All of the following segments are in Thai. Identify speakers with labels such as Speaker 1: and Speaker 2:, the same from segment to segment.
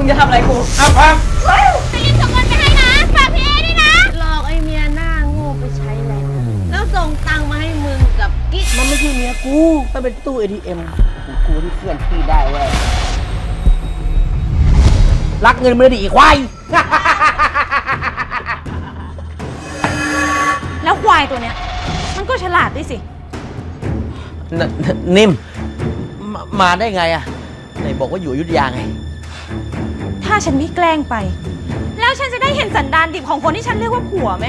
Speaker 1: งจะทำอะไรกู
Speaker 2: เอาพัง
Speaker 3: จะรีบส่งเงินไปให้นะฝากพี่เอด้วยนะ
Speaker 4: หลอกไอ้เมียหน้าโง่ไปใช้แหละแล้วส่งตังค์มาให้มึงกับกิ๊กมันไม่ใช่เมียกูมันเป็นตู้ ATM ของกูที่เคลื่อนที่ได้เว้ยรักเงินไม่ได้ดีอีควาย
Speaker 3: แล้วควายตัวเนี้ยมันก็ฉลาดด้วยสิ
Speaker 4: นิ่มมาได้ไงอะไหนบอกว่าอยู่อยุธยาไง
Speaker 3: ถ้าฉันไม่แกล้งไปแล้วฉันจะได้เห็นสันดานดิบของคนที่ฉันเรียกว่าผัวไหม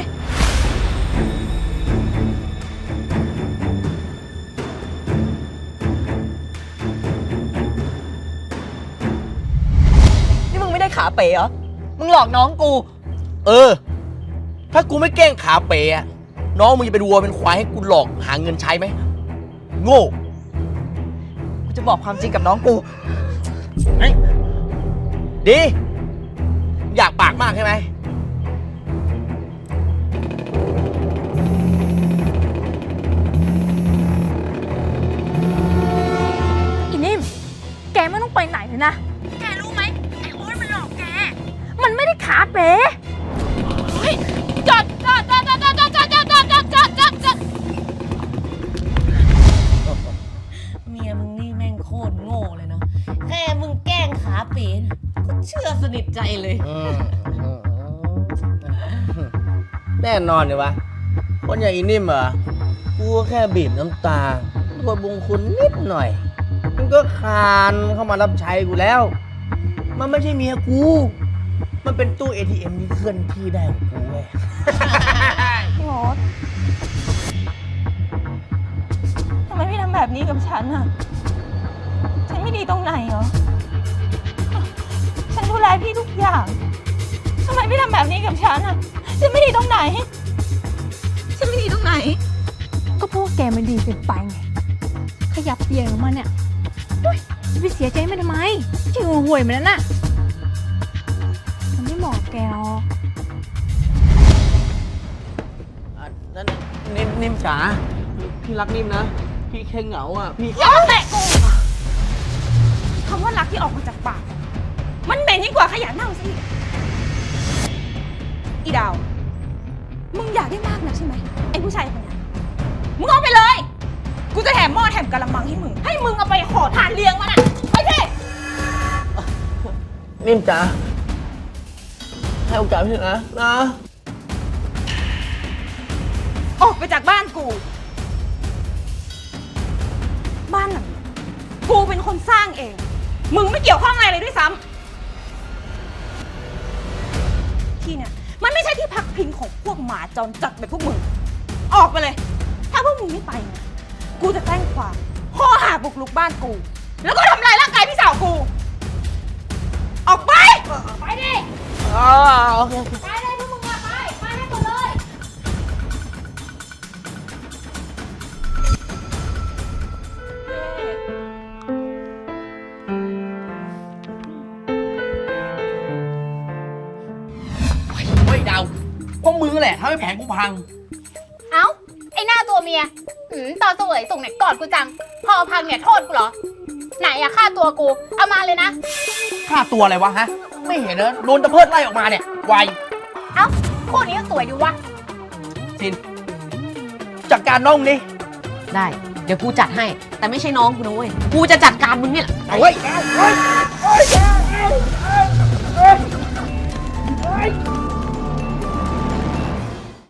Speaker 1: นี่มึงไม่ได้ขาเป๋เหรอมึงหลอกน้องกู
Speaker 4: ถ้ากูไม่แกล้งขาเป๋อะน้องมึงจะเป็นวัวเป็นควายให้กูหลอกหาเงินใช้ไหมโง่
Speaker 1: กูจะบอกความจริงกับน้องกู
Speaker 4: ดีอยากปากมากใช่ไหม
Speaker 3: อีนิ่มแกไม่ต้องไปไหนเลยนะแกรู้ไหมไอ้โอ๊ตมันหลอกแกมันไม่ได้ขาเป๋จอด
Speaker 4: เมียมึงนี่แม่งโคตรโง่เลยเนาะแค่มึงแกล้งขาเป๋ก็เชื่อสนิทใจเลยแน่นอนเลยวะคนอย่างอีนิ่มเหรอกูแค่บีบน้ำตาตัวบุงคุณนิดหน่อยมันก็คานเข้ามารับใช้กูแล้วมันไม่ใช่เมียกูมันเป็นตู้ ATM ที่เคลื่อนที่ได้ของกูเว้ย
Speaker 3: พี่โอ๊ตทำไมพี่ทำแบบนี้กับฉันอะฉันไม่ดีตรงไหนเหรอฉันดูแลพี่ทุกอย่างทำไมพี่ทำแบบนี้กับฉันอะฉันไม่ดีตรงไหนฉันไม่ดีตรงไหนก็พวกแกมันดีเกินไปไงขยับเปลี่ยนออกมาเนี่ยจะไปเสียใจมันทำไมชื่อห่วยมันนั่นน่ะมันไม่เหมาะแกหรอก
Speaker 4: นั่นนิ่มจ๋าพี่รักนิ่มนะพี่แค่เหงาอ่ะพี่
Speaker 3: อย่าแตะกูคำว่ารักที่ออกมาจากปากมันเหม็นยิ่งกว่าขยะเน่าสิอีดาวมึงอยากได้มากนะใช่ไหมไอ้ผู้ชายคนนี้มึงเอาไปเลยกูจะแถมหม้อแถมกะละมังให้มึงเอาไปห่อทานเลี้ยงมันอ่ะไปสิ
Speaker 4: นิ่มจ๋าให้โอกาสพี่นะ
Speaker 3: ออกไปจากบ้านกูบ้านหลังกูเป็นคนสร้างเองมึงไม่เกี่ยวข้องอะไรเลยด้วยซ้ำที่เนี่ยมันไม่ใช่ที่พักพิงของพวกหมาจรจัดแบบพวกมึงออกไปเลยถ้าพวกมึงไม่ไปนะกูจะแจ้งความข้อหาบุกรุกบ้านกูแล้วก็ทำลายร่างกายพี่สาวกูออกไปไปดิ
Speaker 4: โอเค
Speaker 3: ไปเลยพวกมึงอะไปให้หมดเลย
Speaker 4: เฮ้ยดาวพวกมึงแหละทำให้แผนกูพัง
Speaker 3: เอ้าไอ้หน้าตัวเมียตอนเสวยส่งไหนกอดกูจังพอพังเนี่ยโทษกูเหรอไหนอะค่าตัวกูเอามาเลยนะ
Speaker 4: ค่าตัวอะไรวะฮะไม่เห็นนะโดนตะเพิดไล่ออกมาเนี่ยไว
Speaker 3: เอ้าคู่นี้ก็สวยดีวะ
Speaker 4: ซินจัดการน้องดิ
Speaker 1: ได้เดี๋ยวกูจัดให้แต่ไม่ใช่น้องกูนะเว้ยกูจะจัดการมึงเนี่ย
Speaker 4: เฮ้ย